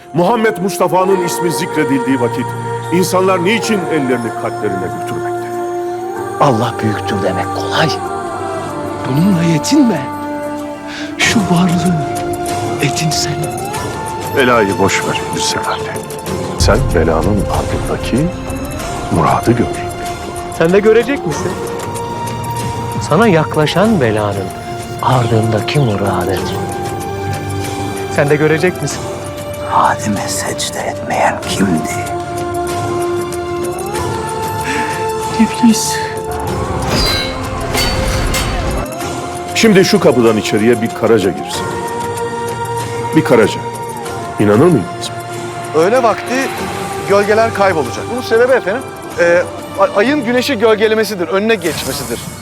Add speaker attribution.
Speaker 1: Muhammed Mustafa'nın ismi zikredildiği vakit insanlar niçin ellerini kalplerine götürmekte?
Speaker 2: Allah büyüktür demek kolay. Bununla yetinme. Şu varlığı edinsene.
Speaker 1: Belayı boş ver Hüsnü Efendi. Sen belanın ardındaki muradı gör.
Speaker 2: Sen de görecek misin? Sana yaklaşan belanın ardındaki muradı. Sen de görecek misin?
Speaker 3: Adem'e secde etmeyen kimdi?
Speaker 2: İblis.
Speaker 1: Şimdi şu kapıdan içeriye bir karaca girsin. Bir karaca. İnanır mıydınız?
Speaker 4: Öğle vakti gölgeler kaybolacak. Bunun sebebi efendim ayın güneşi gölgelemesidir, önüne geçmesidir.